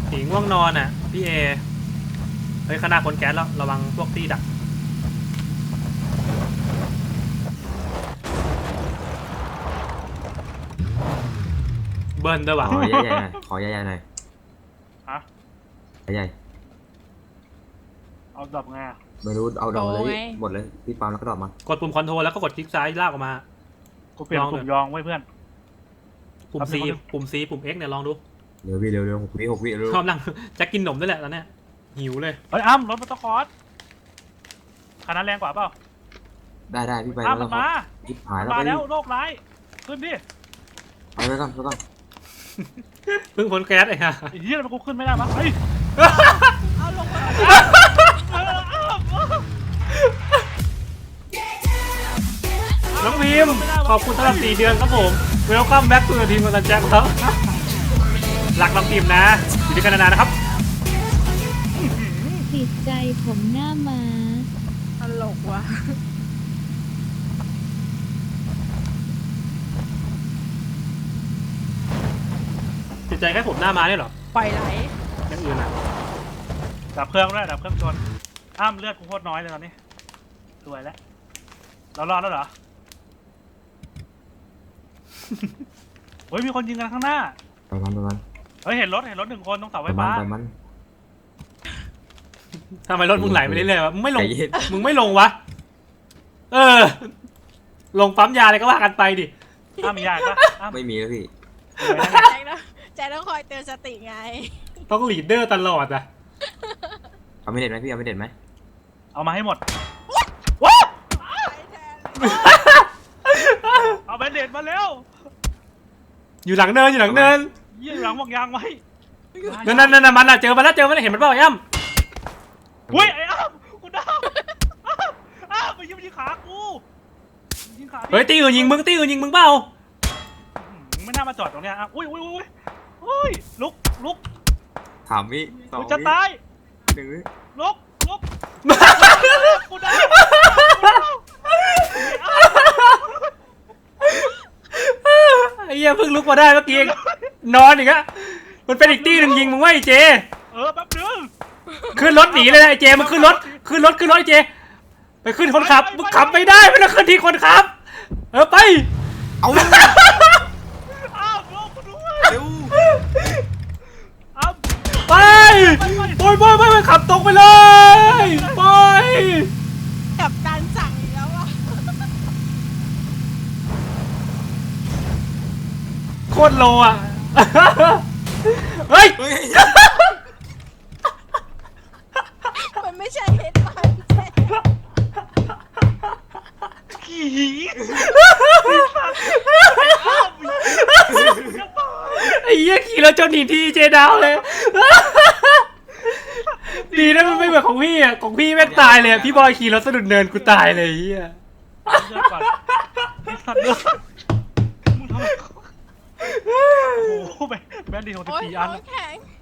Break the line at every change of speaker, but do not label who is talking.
ผีง่วงนอนอ่ะพี่เอเฮ้ยขนาดคนแก๊สแล้วระวังพวกที่ดักเบิร์นด้วยวะ
ขอใหญ่ๆหน่อยขอใหญ่ๆหน่อย
ฮะ
ใหญ่
เอาดอกไงอะ
ๆไม่รู้เอาดอกเลยพี่หมดเลยพี่ปาล์มแล้วก็ดอกมาก
ดปุ่มคอนโทรลแล้วก็กดคลิกซ้ายลากออกมา
กูเปลี่ยนกลุ่มยองไว้เพื่อน
ปุ่ม C ปุ่ม C ปุ่ม X เนี่ยลองดู
เร็วพี่เร็ว6 วิเร็ว
ชอบนั่งจะกินหนมด้วยแหละตอนเนี้ยหิวเลย
เฮ้ยอ้ำรถมอเตอร์คอร์สคันนั้นแรงกว่าเปล่า
ได้พี่ไป
อ้ำมันมา
ยิบหายแล้ว
มา
ไป
แล้วโรคร้ายขึ้นดิ
ไปก่อน
เพิ่งพ้นแก๊สไอ้ห่า
ไอ้เหี้ยมันกูขึ้นไม่ได้มั้งเฮ้ย
เอาลงมา
น้องพิมขอบคุณสำหรับ4 เดือนครับผมเวลคัมแบ็กทูทีมกันแจ็คครับรักน้องพิมนะอยู่ด้วยกันนานๆนะครับ
ติดใจผมหน้าม้า
ตลกว่ะ
ติดใจแค่ผมหน้ามาเนี่ยเหรอ
ปล่อยไหล
อย่างอื่นอ่ะ
ดับเครื่องด้วยดับเครื่องชนอ้ำเลือดกูโคตรน้อยเลยตอนนี้สวยแล้วเรารอดแล้วเหรอ เฮ้ยมีคนยิงกันข้างหน้า
ไปมัน
เฮ้ยเห็นรถ1 คนตรงเสาไฟ
ไป
ฟ้า
มัน
ทำไมรถมึงไหลไปเรื่อยๆวะมึงไม่ล
ใจ
ง
เย็น
มึงไม่ลงวะเออลงปั๊มยาอะไรก็ว่ากันไปดิ
อ้ำมียาอีกปะอ้ำ
ไม่มีแล้วพี่
แจ็คต้องคอยเตือนสติไง
ต้องลีดเดอร์ตลอดอ่ะ
เอาไม่เด็ดไหมพี่เอาไม่เด็ดไหม
เอามาให้หมดว้า
ไปแทน
เอาแบนเดดมาเร็ว
อยู่หลังเนินอยู่หลังเนิน
ยี่หลังวางยางไว้
นั่นมันอ่ะเจอมันแล้วเห็นมันเปล่าไอ้ย่ำ
อุ้ยไอ้อ้ำกูดาวอ้ำไปยิงขากูยิงขา
เฮ้ยตีอื่นยิงมึงเปล่า
ไม่น่ามาจอดตรงเนี้ยอ่ะอุ้ยลุก
ถามพี่2
กู
วิ
จะตาย
1 วิ
ลุกกูดาว
ไอ้เหี้ยเพิ่งลุกมาได้เมื่อกี้เองนอนอีกอะมันเป็นอีกตีหนึ่งยิงมึงว่าไอ้เจ
แป๊บนึง
ขึ้นรถหนีเลยนะไอ้เจมึงขึ้นรถไอ้เจไปขึ้นคนขับมึงขับไม่ได้ไม่ต้องขึ้นที่คนขับไป
เอา
อ้าวลุกกูด้วย
เร็ว
อ้าว
ไปไปขับตรงไปเลยไป
กับการสั่งอีกแล้วอ่ะ
โคตรโลอ่ะเฮ้ย
มันไม่ใช่เฮดไลน์แจ็ค
ขี่
ไอ้เหี้ยขี่แล้วจนหนีทีเจดาวเลยดีนะมันไม่เหมือนของพี่อ่ะของพี่แม่งตายเลยพี่บอยขี่รถสะดุดเนินกูตายเลยไอ้เหี้ย
เลือดก่อนไอ้สัตว์เลือดมึงทำไมโอ้โหแบนดีของ
โอ๊ย
14 อัน
โอ๊ยแข็ง